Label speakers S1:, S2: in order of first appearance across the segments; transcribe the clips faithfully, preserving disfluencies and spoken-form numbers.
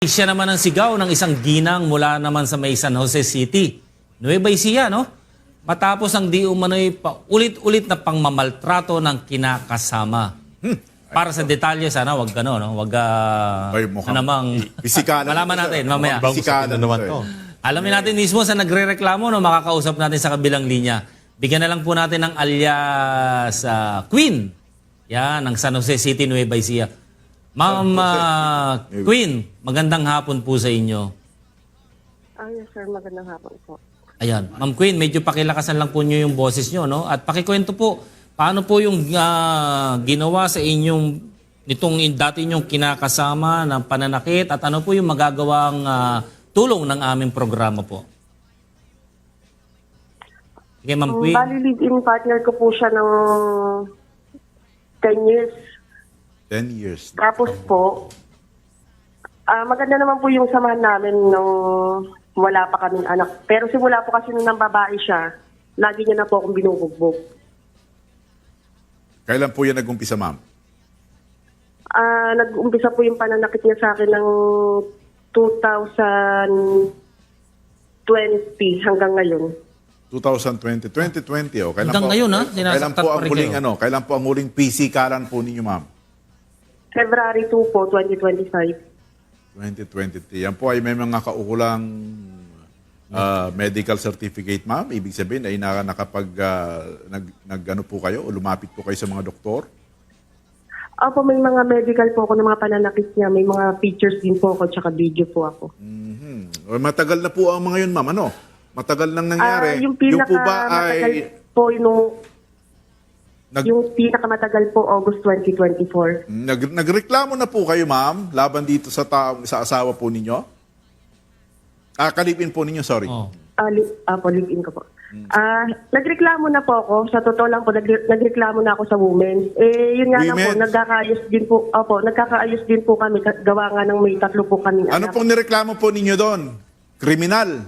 S1: Siya naman ang sigaw ng isang ginang mula naman sa may San Jose City, Nueva Ecija, no? Matapos ang di umano'y ulit-ulit na pangmamaltrato ng kinakasama. Hmm. Para sa detalye, sana wag gano, no? Wag uh,
S2: Ay, mukhang
S1: namang
S2: bisikanan.
S1: malaman natin mamaya.
S2: Bisikanan naman to.
S1: Alamin natin mismo sa nagrereklamo, no? Makakausap natin sa kabilang linya. Bigyan na lang po natin ng alias uh, Queen. Yan, ng San Jose City, Nueva Ecija. Ma'am uh, Queen, magandang hapon po sa inyo.
S3: Ah, yes sir, magandang hapon po.
S1: Ayan, Ma'am Queen, medyo pakilakasan lang po nyo yung boses nyo, no? At pakikwento po, paano po yung uh, ginawa sa inyong, nitong dati nyong kinakasama ng pananakit at ano po yung magagawang uh, tulong ng aming programa po? Sige, Ma'am Queen.
S3: Um, bali, live-in partner ko po siya ng ten years.
S2: ten years.
S3: Tapos po, ah maganda naman po yung samahan namin nung wala pa kaming anak. Pero simula po kasi nung nang babae siya, lagi niya na po akong binubugbog.
S2: Kailan po yan nag-umpisa, ma'am?
S3: Ah, nag-umpisa po yung pananakit niya sa akin ng two thousand twenty hanggang ngayon.
S2: twenty twenty, twenty twenty, oh. Kailan
S1: Hanggang
S2: po,
S1: ngayon, ha?
S2: Kailan
S1: Sinasaktan
S2: po
S1: pa
S2: ang
S1: rin
S2: huling,
S1: kayo?
S2: ano, kailan po ang huling pisikalan po ninyo, ma'am?
S3: February two po, twenty twenty-five.
S2: twenty twenty. Yan po ay may mga kaukulang uh, medical certificate, ma'am. Ibig sabihin ay naka, nakapag, uh, nag, nag, ano po kayo, o lumapit po kayo sa mga doktor?
S3: Opo, may mga medical po ako ng mga pananakit niya. May mga pictures din po ako, tsaka video po ako.
S2: Mm-hmm. O, matagal na po ang mga yun, ma'am. Ano? Matagal nang nangyari.
S3: Ah, yung pinaka
S2: po ba
S3: matagal
S2: ay...
S3: po yung,
S2: Nag,
S3: yung pinakamatagal po August twenty twenty-four.
S2: nag, nagreklamo na po kayo, ma'am, laban dito sa taong sa asawa po ninyo? Ah, kalipin po ninyo, sorry.
S1: Oh.
S3: Ah, li, ah po, live-in ko po. Ah, nagreklamo na po ako. Sa totoo lang po, nagre- nagreklamo na ako sa women. Eh, yun nga lang po,
S2: Women's?
S3: nagkakaayos din po. Opo, nagkakaayos din po kami. ka- Gawa nga ng may tatlo po kami.
S2: Ano pong nireklamo po ninyo doon? Kriminal?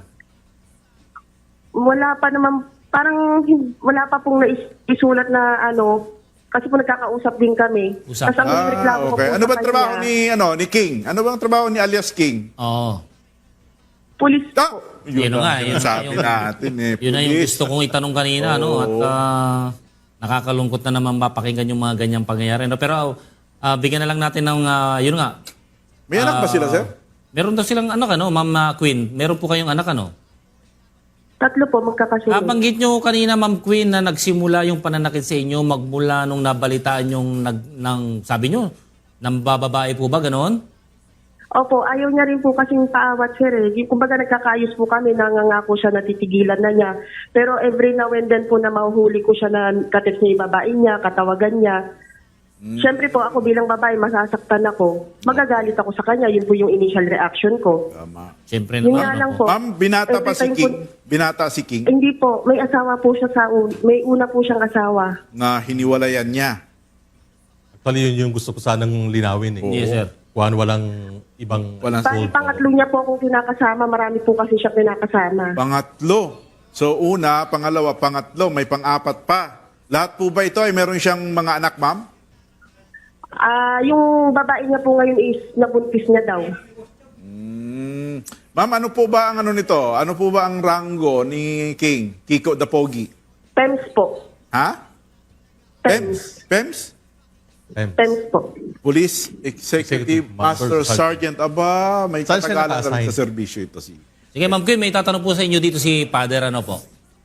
S3: Wala pa naman, parang hin- wala pa pong nais- isulat na ano, kasi po nagkakausap din kami.
S1: Usap.
S3: Tapos ang reklamo
S2: Ah,
S3: ko
S2: okay.
S3: po
S2: Ano
S3: sa
S2: ba trabaho
S3: kanya,
S2: ni ano ni King? Ano bang trabaho ni alias King?
S1: Oo.
S3: Pulis
S2: Ah,
S3: po.
S1: Yun
S2: ang
S1: nga, yun
S2: sinasabi
S1: yung-
S2: natin eh.
S1: Yun na yung
S2: Police.
S1: gusto kong itanong kanina, no? At ah, nakakalungkot na naman mapakinggan yung mga ganyang pangyayari. No? Pero ah, bigyan na lang natin ng, ah, yun nga.
S2: May anak ba sila, sir?
S1: Meron daw silang anak, ano, Ma'am ah, Queen? Meron po kayong anak, ano?
S3: Tatlo po magkakasunod.
S1: Nabanggit nyo kanina, Ma'am Queen, na nagsimula yung pananakit sa inyo magmula nung nabalitaan yung, nag, ng, sabi nyo, ng bababae po ba, ganoon?
S3: Opo, ayaw niya rin po kasing paawat sir eh. Yung- Kumbaga nagkakaayos po kami, nangangako siya na titigilan na niya. Pero every now and then po na mahuhuli ko siya na katip niya yung babae niya, katawagan niya. Siyempre po ako bilang babae, masasaktan ako. Magagalit ako sa kanya, yun po yung initial reaction ko.
S2: Tama.
S1: Siyempre
S3: Yun
S1: naman.
S3: nga lang
S1: no?
S3: po.
S2: Ma'am, binata pa
S3: Every
S2: si
S3: time
S2: King.
S3: po-
S2: Binata si King
S3: Hindi po, may asawa po siya sa un- may una po siyang asawa.
S2: na hiniwalayan niya.
S4: Actually, yun yung gusto ko sanang linawin. Eh.
S1: Yes, sir.
S4: Kuhan walang ibang...
S2: Walang
S3: Bali, pangatlo niya po akong kinakasama, marami po kasi siya kinakasama.
S2: Pangatlo. So una, pangalawa, pangatlo, may pang-apat pa. Lahat po ba ito ay meron siyang mga anak, ma'am?
S3: Ah, yung babae niya po ngayon is nabuntis niya daw.
S2: Mm. Ma'am, ano po ba ang ano nito? Ano po ba ang rango ni King? Kiko the Pogi?
S3: Pems po.
S2: Ha? Pems? Pems?
S4: Em,
S3: Pems po.
S2: Police Executive
S4: Executive
S2: Master
S4: Master
S2: Sergeant. Aba, may
S4: Saan siya
S2: katagalan
S4: naka-assign?
S2: sa serbisyo ito. Si.
S1: Sige, Ma'am Queen, may tatanong po sa inyo dito si Father, ano po?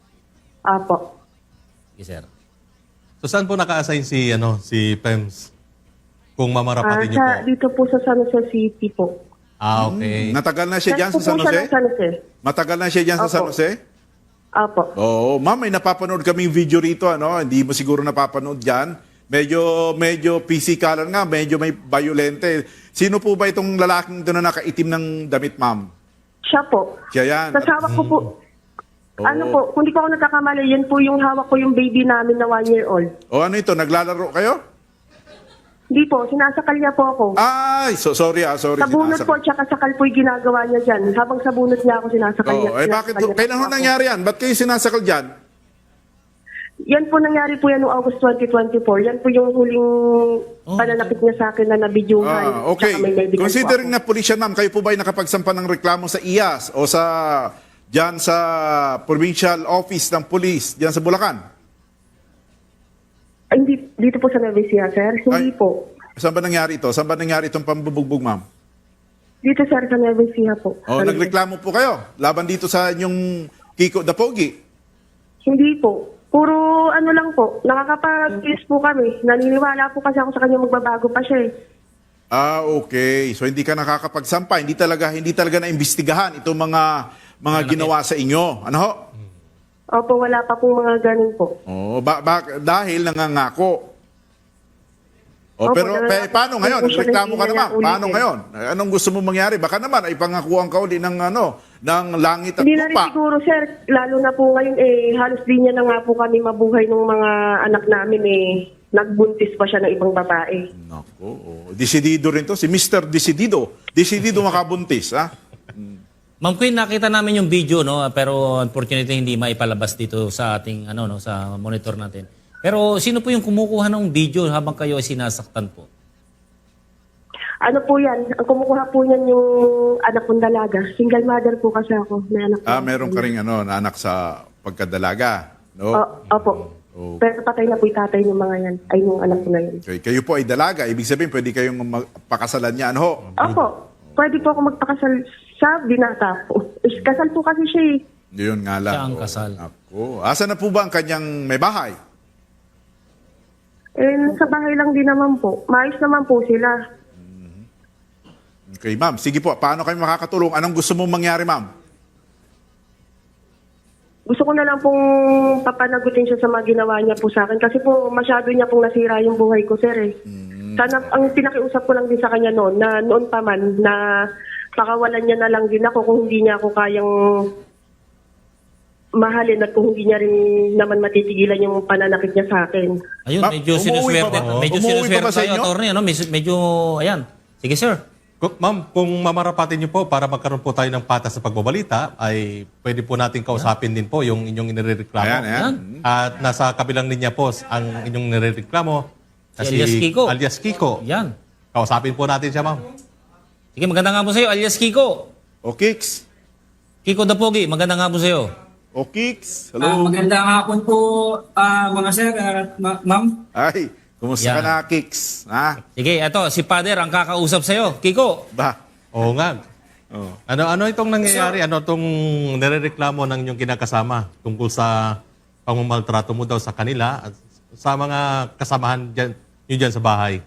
S3: Apo.
S1: Yes, sir.
S4: So saan po naka-assign si, ano, si Pems? Kung
S3: Ah,
S4: mamarapatin niyo
S3: sa,
S4: po.
S3: dito po sa San Jose City po.
S4: Ah, okay.
S2: Natagal na siya dyan
S3: Saan
S2: sa
S3: po
S2: San
S3: po siya
S2: Jose?
S3: ng San Jose?
S2: Matagal na siya dyan sa
S3: Opo.
S2: San Jose?
S3: Apo.
S2: Oo, ma'am, may napapanood kaming video rito, ano? Hindi mo siguro napapanood dyan. Medyo, medyo physikalan nga, medyo may violente. Sino po ba itong lalaking doon na nakaitim ng damit, ma'am?
S3: Siya po.
S2: Siya yan.
S3: Sa hawak ko po, ano po, kung di ko ako nagkakamali, yan po yung hawak ko yung baby namin na one year old.
S2: O ano ito, naglalaro kayo?
S3: Hindi po, sinasakal niya po ako.
S2: Ay, so, sorry ah, sorry.
S3: Sa bunot po,
S2: sinasakal.
S3: tsaka sakal po yung ginagawa niya dyan. Habang sa bunot niya ako sinasakal niya.
S2: Oo, eh bakit,
S3: sinasakal niya
S2: kailan
S3: po
S2: ho
S3: ako.
S2: nangyari yan? Ba't kayo sinasakal dyan?
S3: Yan po nangyari po yan noong August twenty twenty-four. Yan po yung huling pananakit niya sa akin na nabidyuhan.
S2: Ah, okay.
S3: Tsaka may medical po
S2: Considering
S3: ako.
S2: na pulisya, ma'am, kayo po ba ay nakapagsampa ng reklamo sa I A S o sa diyan sa Provincial Office ng Police diyan sa Bulacan?
S3: Ay, hindi, dito po sa Nueva Ecija, sir. Hindi
S2: Ay.
S3: po.
S2: Saan ba nangyari ito? Saan ba nangyari itong pambubugbog, ma'am?
S3: Dito, sir, sa Nueva Ecija po.
S2: O,
S3: Sa-
S2: nagreklamo po kayo laban dito sa inyong Kiko Dapogi.
S3: Hindi po. Puro ano lang po. Nakakapag-kiss po kami. Naniniwala po kasi ako sa kanya magbabago pa siya eh.
S2: Ah, okay. So hindi ka nakakapagsampa, hindi talaga hindi talaga naimbestigahan itong mga mga ginawa sa inyo. Ano ho?
S3: Opo, wala pa pong mga ganun po.
S2: Oh, ba, ba- dahil nangangako. Oh,
S3: Opo,
S2: pero
S3: talaga-
S2: pe, paano ngayon?
S3: Hindi po siya
S2: Reklamo ka naman.
S3: nagsiulit
S2: Paano
S3: eh.
S2: ngayon? Anong gusto mo mangyari? Baka naman ay pangakuan ka uli ng ano, ng langit at
S3: Hindi na rin
S2: lupa.
S3: siguro, sir. Lalo na po ngayon eh, halos di niya na nga po kami mabuhay ng mga anak namin eh. Nagbuntis pa siya ng ibang babae.
S2: Nako, oh. Desidido rin to si Mister Desidido. Desidido makabuntis, ha?
S1: Ma'am Queen, nakita namin yung video, no, pero unfortunately hindi maipalabas dito sa ating ano no sa monitor natin. Pero sino po yung kumukuha ng video habang kayo ay sinasaktan po?
S3: Ano po yan? Ang kumukuha po niyan yung anak kong dalaga. Single mother po kasi ako. May anak
S2: Ah,
S3: po.
S2: meron ka ring ano, na anak sa pagkadalaga, no?
S3: O, opo.
S2: Oh.
S3: Pero patay na po yung tatay ng mga yan. Ay, yung anak ko na yan.
S2: Okay, kayo po ay dalaga, ibig sabihin pwede kayong magpakasalan niya, ano ho?
S3: Opo. Pwede po ako magpakasal sa binata po. Eh, Kasal po kasi siya eh.
S2: Yun nga lang.
S1: Siya ang
S2: oh.
S1: kasal.
S2: Ako. Asa na po ba ang kanyang may bahay?
S3: Eh, sa bahay lang din naman po. Maayos naman po sila.
S2: Okay, ma'am. Sige po, paano kayo makakatulong? Anong gusto mong mangyari, ma'am?
S3: Gusto ko na lang pong papanagutin siya sa mga ginawa niya po sa akin. Kasi po masyado niya pong nasira yung buhay ko, sir eh. Sana, ang pinakiusap ko lang din sa kanya noon, na noon pa man, na pakawalan niya na lang din ako kung hindi niya ako kayang mahalin at kung hindi niya rin naman matitigilan yung pananakit niya sa akin.
S1: Ayun,
S2: Ma'am,
S1: medyo
S2: umuwi
S1: sinuswerte.
S2: pa ba?
S1: Medyo
S2: Umuwi pa
S1: sinuswerte
S2: ba sa
S1: tayo,
S2: inyo?
S1: attorney. Ano? Medyo, medyo, ayan. Sige, sir.
S4: Kung- Ma'am, kung mamarapatin niyo po para magkaroon po tayo ng patas sa pagbabalita, ay pwede po natin kausapin din po yung inyong inireklamo.
S2: Ayan, ayan.
S1: Ayan.
S4: At nasa kabilang linya po ang inyong nireklamo. na
S1: Si alias Kiko.
S4: Alias Kiko.
S1: Yan.
S4: Kausapin po natin siya, ma'am.
S1: Sige, maganda nga po sa'yo, alias Kiko.
S2: O Kicks?
S1: Kiko Dapogi, maganda nga po sa'yo.
S2: O Kicks?
S5: Ah,
S2: Hello?
S5: magandang hapon po, ah, mga sir, at ma- ma'am.
S2: Ay, kumusta ka
S1: Yan.
S2: na, Kicks? Ha?
S1: Sige, eto, si Father ang kakausap sa'yo. Kiko.
S2: Ba?
S4: Oo nga.
S2: Oh.
S4: Ano ano itong nangyayari? Ano itong nirereklamo ng inyong kinakasama tungkol sa pangmamaltrato mo daw sa kanila at sa mga kasamahan dyan, nyo dyan sa bahay?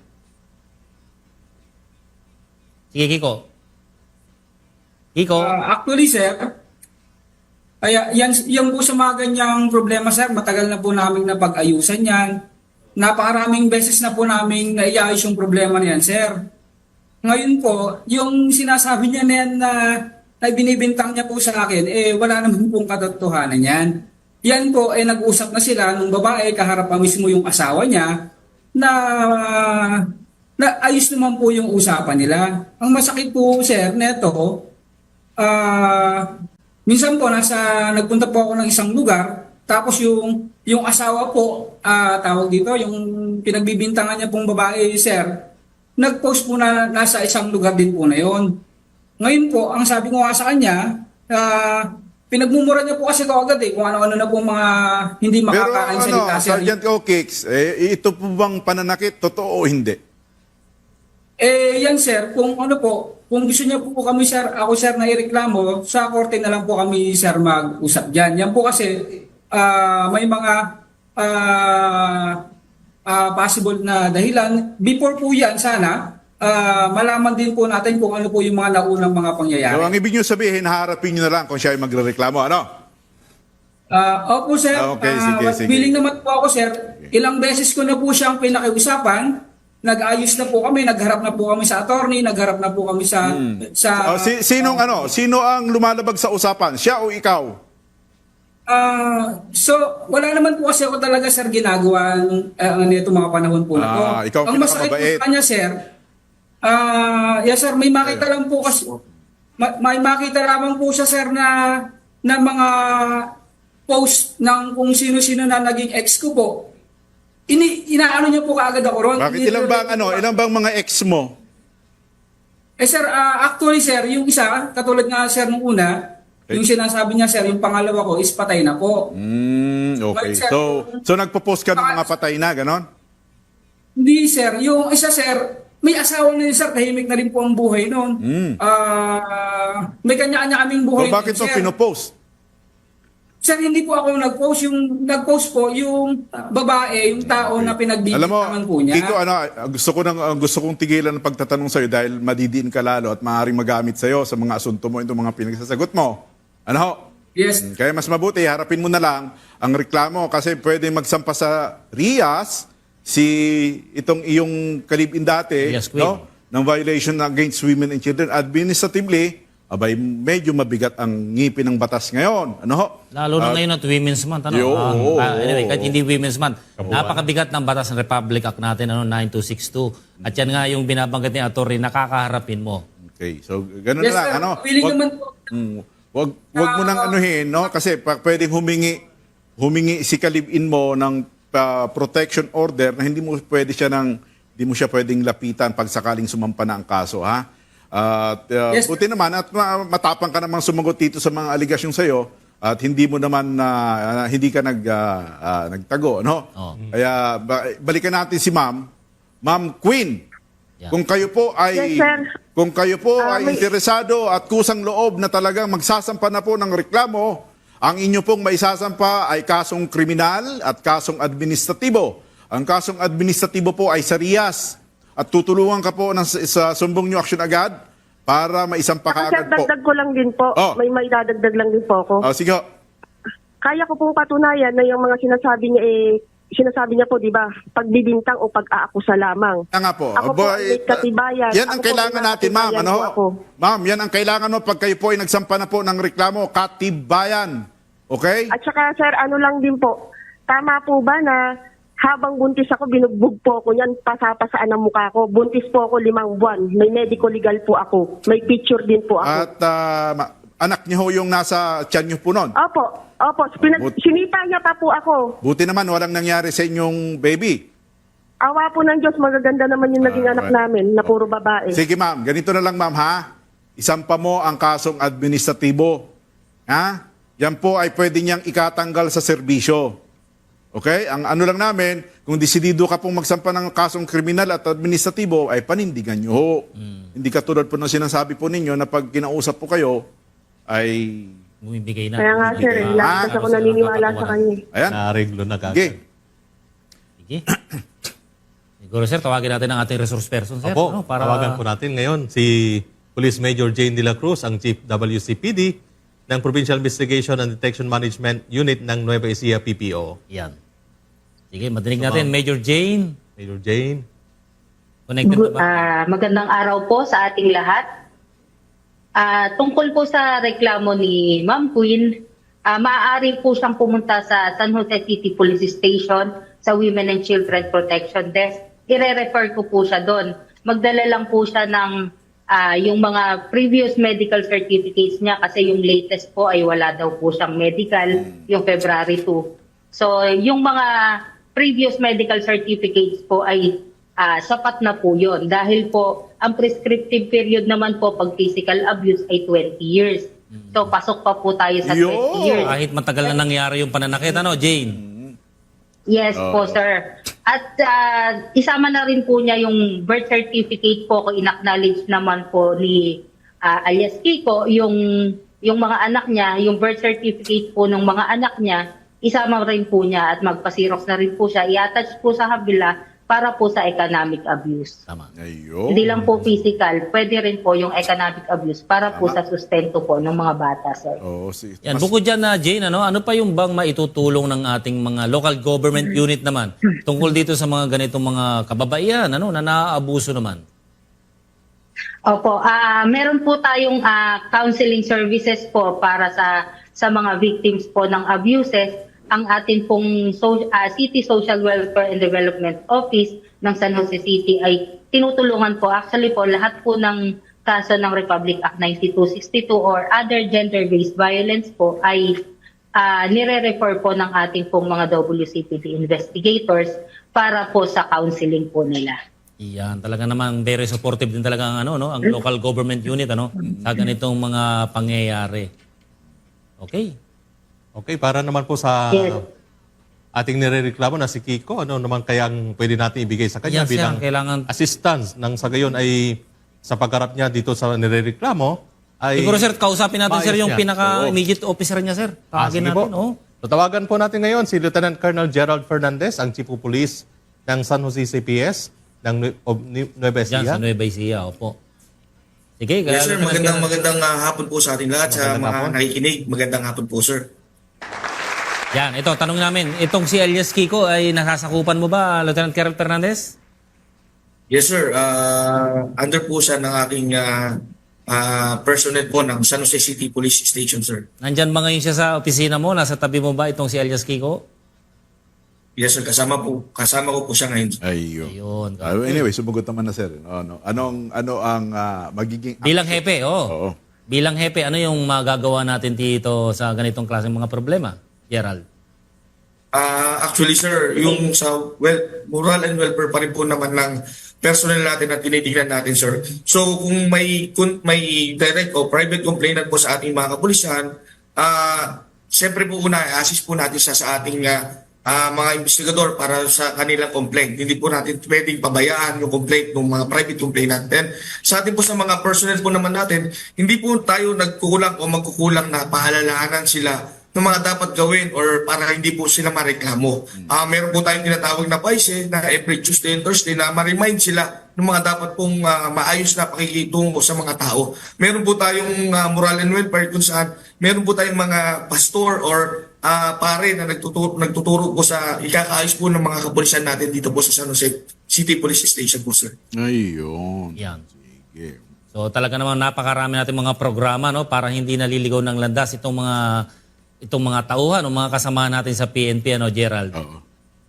S1: Sige, Kiko. Kiko.
S5: Ah, actually, sir, ay, yan, yan po sa mga ganyang problema, sir, matagal na po namin napag-ayusan yan. Napakaraming beses na po namin naiayos yung problema na yan, sir. Ngayon po, yung sinasabi niya na yan na, na binibintang niya po sa akin, eh wala naman pong katotohanan yan. Yan po, eh nag-usap na sila nung babae, kaharap pa mismo yung asawa niya, na, na ayos naman po yung usapan nila. Ang masakit po, sir, neto, ah, minsan po, nasa, nagpunta po ako ng isang lugar, tapos yung, yung asawa po, ah, tawag dito, yung pinagbibintangan niya pong babae, sir, nag-post po na nasa isang lugar din po na yon. Ngayon po, ang sabi ko nga sa kanya, uh, pinagmumura niya po kasi ko agad eh, kung ano-ano na po mga hindi
S2: Pero
S5: makakain
S2: ano,
S5: salita. sir.
S2: Sergeant O Kicks, eh, ito po bang pananakit? Totoo o hindi?
S5: Eh, yan sir, kung ano po, kung gusto niya po, po kami sir, ako sir na ireklamo, sa korte na lang po kami sir mag-usap dyan. Yan po kasi ah, may mga ah, ah, possible na dahilan. Before po yan sana, ah, malaman din po natin kung ano po yung mga naunang mga pangyayari.
S2: So, ang ibig nyo sabihin, harapin nyo na lang kung siya ay magrereklamo, ano?
S5: Ah, opo sir,
S2: Ah, okay,
S5: Ah,
S2: sige, sige.
S5: willing naman po ako sir. Ilang beses ko na po siyang pinakiusapan. Nag-ayos na po kami, nagharap na po kami sa attorney, nagharap na po kami sa sa
S2: Oh, si, sinong ano? Sino ang lumalabag sa usapan? Siya o ikaw?
S5: Ah, so wala naman po kasi ako talaga sir ginagawa ng uh, nito mga panahon po na to.
S2: Ah, ikaw
S5: Ang masakit po
S2: pinakamabait.
S5: sa kanya sir, ah, yes sir, may makita lang po kasi ma- may makita lamang po siya sir na na mga post ng kung sino-sino na naging ex ko po, ini inaano niya po kaagad ako ron.
S2: Bakit ilang bang, ano, ilang bang mga ex mo?
S5: Eh sir, ah, actually sir, yung isa, katulad nga sir nung una,
S2: Okay.
S5: yung sinasabi niya sir, yung pangalawa ko is patay na po.
S2: Mm, okay.
S5: But, sir,
S2: So, so nagpo-post ka ng mga patay na, ganon?
S5: Hindi sir, yung isa sir, may asawa na yun sir, tahimik na rin po ang buhay noon.
S2: Mm.
S5: Ah, may kanya-kanya kaming buhay.
S2: So, bakit
S5: din,
S2: mo
S5: sir.
S2: pinopost?
S5: Sir, hindi po ako nag-post. Yung nag-post po, yung babae, yung tao na
S2: Alam mo,
S5: pinagbibintangan po niya.
S2: Kiko, ano, gusto ko nang uh, gusto kong tigilan ng pagtatanong sa iyo dahil madidiin ka lalo at maaaring magamit sa iyo sa mga asunto mo, itong mga pinagsasagot mo. Ano ho?
S5: Yes.
S2: Kaya mas mabuti, harapin mo na lang ang reklamo kasi pwede magsampa sa R I A S si itong iyong kalibin dati,
S1: Yes, Queen.
S2: no? Ng violation against women and children. Administratively, abay, medyo mabigat ang ngipin ng batas ngayon. Ano ho?
S1: Lalo na ngayon at Women's Month. Ano?
S2: Yo,
S1: Ah,
S2: oo,
S1: ah, anyway,
S2: oo,
S1: kahit
S2: oo.
S1: hindi Women's Month, napakabigat ng batas ng Republic Act natin, ano, nine two six two. At yan nga yung binabanggit ni Atty. Nakakaharapin mo.
S2: Okay, so ganun
S5: Yes,
S2: na lang.
S5: sir.
S2: Ano?
S5: Willing
S2: Wag-
S5: naman po.
S2: Mm, wag wag mo nang anuhin, no? Kasi pa, pwedeng humingi humingi si kalibin mo ng ah, protection order na hindi mo pwede siya ng hindi mo siya pwedeng lapitan pag sakaling sumampa na ang kaso, ha? At ah,
S5: Yes,
S2: buti naman at ma- matapang ka namang sumagot dito sa mga aligasyon sa iyo at hindi mo naman na hindi ka nag ah, ah, nagtago, no?
S1: Oo.
S2: Kaya ba- balikan natin si Ma'am, Ma'am Queen.
S1: Yeah.
S2: Kung kayo po ay
S3: Yes, sir.
S2: kung kayo po
S3: Ah,
S2: ay
S3: may-
S2: interesado at kusang loob na talagang magsasampa na po ng reklamo, ang inyo pong maisasampa ay kasong kriminal at kasong administratibo. Ang kasong administratibo po ay sa R I A S at tutulungan ka po ng, sa sumbong nyo action agad para maisampa ka
S3: Saka sir,
S2: agad po.
S3: dagdag ko lang din po.
S2: Oh.
S3: May may dadagdag lang din po ako.
S2: Ah, sige ho.
S3: Kaya ko pong patunayan na yung mga sinasabi niya eh, sinasabi niya po, di ba, pagbibintang o pag-aakusa lamang.
S2: Yan nga po.
S3: Ako po
S2: Aba,
S3: ay may katibayan.
S2: Yan
S3: Ako
S2: ang
S3: po
S2: kailangan
S3: may
S2: natin, ma'am.
S3: katibayan
S2: Ano?
S3: po ako.
S2: Ma'am, yan ang kailangan mo pag kayo po ay nagsampa na po ng reklamo. Katibayan. Okay?
S3: At saka sir, ano lang din po, tama po ba na habang buntis ako, binugbog po ako yan, pasapasaan ang mukha ko. Buntis po ako limang buwan. May medical legal po ako. May picture din po ako.
S2: At ah, ma- anak niyo ho yung nasa tiyan niyo po noon.
S3: Opo, opo. Pinag-
S2: But-
S3: sinipa niya pa po ako.
S2: Buti naman walang nangyari sa inyong baby.
S3: Awa po ng Diyos, magaganda naman yung naging
S2: Ah,
S3: anak
S2: right.
S3: namin na puro babae.
S2: Sige ma'am, ganito na lang ma'am ha. Isampa mo ang kasong administratibo. Ha? Yan po ay pwede niyang ikatanggal sa serbisyo. Okay? Ang ano lang namin, kung desidido ka pong magsampa ng kasong kriminal at administratibo, ay panindigan niyo ho. Hindi katulad po ng sinasabi po ninyo na pag kinausap po kayo, ay...
S1: Bumibigay na.
S3: Kaya nga sir, eh,
S2: Ah,
S3: lagi kasi ako naniniwala sa kanya. eh.
S2: Ayan.
S4: Nareglo na kagad.
S2: Sige.
S1: Sige. Siguro sir, tawagin natin ang ating resource person, sir.
S4: Opo,
S1: ano, para...
S4: tawagan po natin ngayon si Police Major Jane De La Cruz, ang Chief W C P D ng Provincial Investigation and Detection Management Unit ng Nueva Ecija P P O.
S1: Yan. Sige, madinig natin. Major Jane,
S4: Major Jane.
S1: connected
S6: Gu-
S1: na ba?
S6: ah, magandang araw po sa ating lahat. Ah, tungkol po sa reklamo ni Ma'am Queen, ah, maaari po siyang pumunta sa San Jose City Police Station sa Women and Children Protection Desk. Ire-refer ko po siya doon. Magdala lang po siya ng ah, yung mga previous medical certificates niya kasi yung latest po ay wala daw po siyang medical, yung February two. So, yung mga previous medical certificates po ay ah, sapat na po yun. Dahil po, ang prescriptive period naman po pag physical abuse ay twenty years. So, pasok pa po tayo sa
S2: Yo!
S6: twenty years.
S1: Kahit matagal na nangyari yung pananakit, ano, Jane?
S6: Yes po, sir. At ah, isama na rin po niya yung birth certificate po kung in-acknowledge naman po ni ah, alias Kiko, yung, yung mga anak niya, yung birth certificate po ng mga anak niya, isama rin po niya at magpasirox na rin po siya. I-attach po sa kabila para po sa economic abuse.
S1: Tama.
S2: Ayun.
S6: Hindi lang po physical, pwede rin po yung economic abuse para po sa sustento po ng mga bata, sir.
S2: Oo, si,
S1: Yan,
S2: mas-
S1: bukod dyan na, Jane, ano, ano pa yung bang maitutulong ng ating mga local government unit naman tungkol dito sa mga ganitong mga kababaihan, ano, na naaabuso naman?
S6: Opo, ah meron po tayong ah, counseling services po para sa sa mga victims po ng abuses. Ang atin pong so, ah, City Social Welfare and Development Office ng San Jose City ay tinutulungan po actually po lahat po ng kaso ng Republic Act ninety-two sixty-two or other gender-based violence po ay ah, nire-refer po ng ating pong mga W C P D investigators para po sa counseling po nila.
S1: Iyan, talaga naman very supportive din talaga ang ano no, ang local government unit ano sa ganitong mga pangyayari. Okay.
S4: Okay, para naman po sa
S6: Yes.
S4: ating nirereklamo na si Kiko, ano naman kayang pwede natin ibigay sa kanya
S1: Yes, sir.
S4: bilang
S1: Kailangan-
S4: assistance nang sa gayon ay sa pagharap niya dito sa nirereklamo ay
S1: Siguro sir, kausapin natin sir
S4: maayos
S1: yung
S4: niya.
S1: pinaka-immediate officer niya sir.
S4: Ah,
S1: Tawagin
S4: sige
S1: natin,
S4: po.
S1: oh.
S4: Tatawagan po natin ngayon si Lieutenant Colonel Gerald Fernandez, ang Chief of Police ng San Jose C P S ng Nue- of Nue- Nueva
S1: Diyan
S4: Ecija.
S1: sa Nueva Ecija, opo. Sige,
S7: Yes sir,
S1: Lieutenant
S7: magandang
S1: Colonel.
S7: magandang ah, hapon po sa ating lahat sa
S4: Magandang
S7: mga
S4: hapon.
S7: nakikinig. Magandang hapon po sir.
S1: Yan, ito, tanong namin. Itong si alias Kiko ay nasasakupan mo ba, Lieutenant Colonel Fernandez?
S7: Yes sir, Ah, under po siya ng aking ah, ah, personnel po ng San Jose City Police Station sir.
S1: Nandyan ba ngayon siya sa opisina mo? Nasa tabi mo ba itong si alias Kiko?
S7: Yes sir, kasama po kasama ko po siya ngayon.
S2: Ayun.
S1: Ayun.
S2: Ah, anyway, sumagot naman na sir. Ano, anong ano ang ah, magiging
S1: Bilang hepe, oh.
S2: Oo.
S1: Bilang hepe, ano yung magagawa natin dito sa ganitong klaseng mga problema? Gerald.
S7: Ah, actually sir, yung sa well, moral and welfare pa rin po naman ng personnel natin na tinitingnan natin sir. So kung may kung may direct o private complainant po sa ating mga kapulisan, ah siyempre po una assist po natin sa sa ating ah, ah, mga investigador para sa kanilang complaint. Hindi po natin pwedeng pabayaan yung complaint ng mga private complainant. Then sa atin po sa mga personnel po naman natin, hindi po tayo nagkukulang o magkukulang na paalalahanan sila ng mga dapat gawin or para hindi po sila mareklamo. Ah, meron po tayong tinatawag na P A I S E na every Tuesday and Thursday na ma-remind sila ng mga dapat pong ah, maayos na pakikitungo sa mga tao. Meron po tayong ah, moral and welfare kung saan meron po tayong mga pastor or ah, pare na nagtuturo, nagtuturo po sa ikakaayos po ng mga kapulisan natin dito po sa San Jose City Police Station po sir.
S2: Ayun.
S1: Yan.
S2: Sige.
S1: So talaga namang napakarami natin mga programa no para hindi naliligaw ng landas itong mga itong mga tauhan o mga kasama natin sa P N P ano Gerald.
S2: Oo.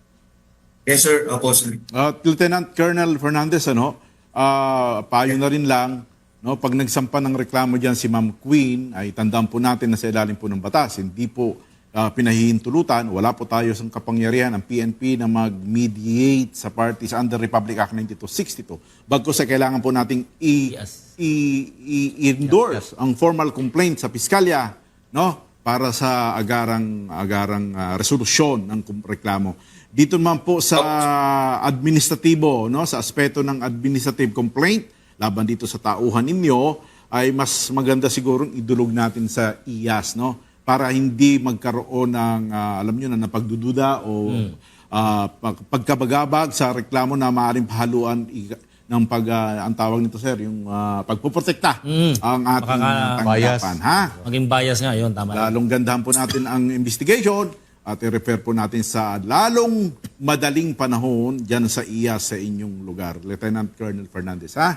S7: Yes sir, opo sir.
S2: At Lieutenant Colonel Fernandez, ano, ah, payo na rin lang, no, pag nagsampa ng reklamo diyan si Ma'am Queen, ay tandaan po natin na sa ilalim po ng batas, hindi po ah, pinahihintulutan, wala po tayo sa kapangyarihan ng P N P na mag-mediate sa parties under Republic Act ninety-two sixty-two. Bagkus sa kailangan po nating i-
S1: Yes.
S2: i- i- i-endorse ang formal complaint sa piskalya, no, para sa agarang agarang ah, resolusyon ng kum- reklamo. Dito naman po sa administratibo, no, sa aspeto ng administrative complaint laban dito sa tauhan ninyo, ay mas maganda siguro idulog natin sa I A S, no, para hindi magkaroon ng ah, alam niyo na napagdududa o ah, pag- pagkabagabag sa reklamo na maaaring pahaluan i- ng pag ah, ang tawag nito sir yung ah, pagpoprotekta
S1: Mm.
S2: ang ating
S1: Makaka-
S2: tanggapan, ha?
S1: Maging bias nga yun, tama.
S2: Lalong gandahan po natin ang investigation at i-refer po natin sa lalong madaling panahon dyan sa I A S sa inyong lugar. Lieutenant Colonel Fernandez, ha?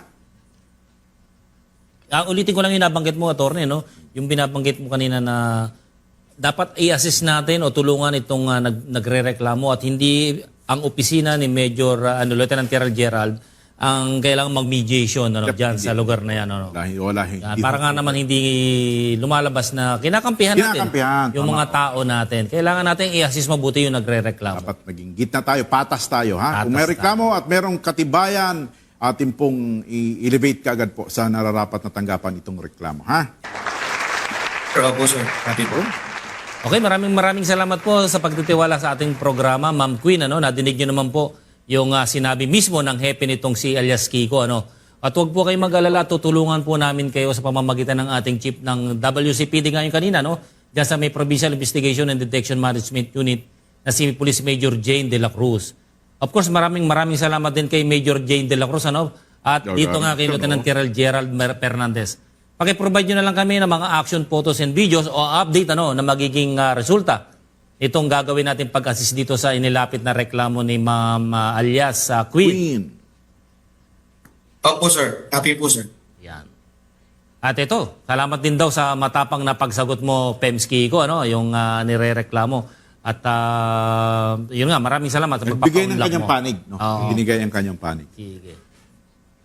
S1: Ah, ulitin ko lang yung nabanggit mo, attorney, no? Yung binabanggit mo kanina na dapat i-assist natin o tulungan itong ah, nag, nagre-reklamo at hindi ang opisina ni Major ah, ano, Lieutenant Colonel Gerald ang kailangang mag-mediation ano,
S2: Yep,
S1: dyan
S2: hindi.
S1: sa lugar na yan. Ano?
S2: Dahil wala,
S1: Ah,
S2: hindi
S1: para nga naman hindi lumalabas na kinakampihan natin
S2: Kinakampihan,
S1: yung
S2: tama
S1: mga
S2: po.
S1: tao natin. Kailangan natin i-assist mabuti yung nagre-reklamo.
S2: dapat maging gitna tayo, patas tayo, ha? Kung
S1: Patas
S2: may reklamo at merong katibayan, atin pong i-elevate kaagad po sa nararapat na tanggapan itong reklamo, ha?
S7: Sir, opo sir. Happy po.
S1: Okay, maraming maraming salamat po sa pagtitiwala sa ating programa, Ma'am Queen. Ano, nadinig niyo naman po yung ah, sinabi mismo ng hepe nitong si alias Kiko. Ano. At huwag po kayong mag-alala, tutulungan po namin kayo sa pamamagitan ng ating chief ng W C P D ngayon kanina. No? Diyan sa may Provincial Investigation and Detection Management Unit na si Police Major Jane De La Cruz. Of course, maraming maraming salamat din kay Major Jane De La Cruz. Ano? At
S2: Yeah,
S1: dito
S2: yeah.
S1: nga kay Lieutenant Colonel Gerald Mer- Fernandez. Paki-provide nyo na lang kami ng mga action photos and videos o update ano na magiging ah, resulta. Itong gagawin natin pag-assist dito sa inilapit na reklamo ni Ma'am ah, alias sa Queen.
S2: Queen.
S7: Opo sir. Happy po sir.
S1: Yan. At ito, salamat din daw sa matapang na pagsagot mo, Pems Kiko, ano, yung ah, nire-reklamo. At ah, yun nga, maraming salamat sa
S2: Nagbigay ng
S1: pagpapa-unlock
S2: kanyang
S1: mo.
S2: panig, no?
S1: Oo.
S2: Binigay ang kanyang panig.
S1: Sige.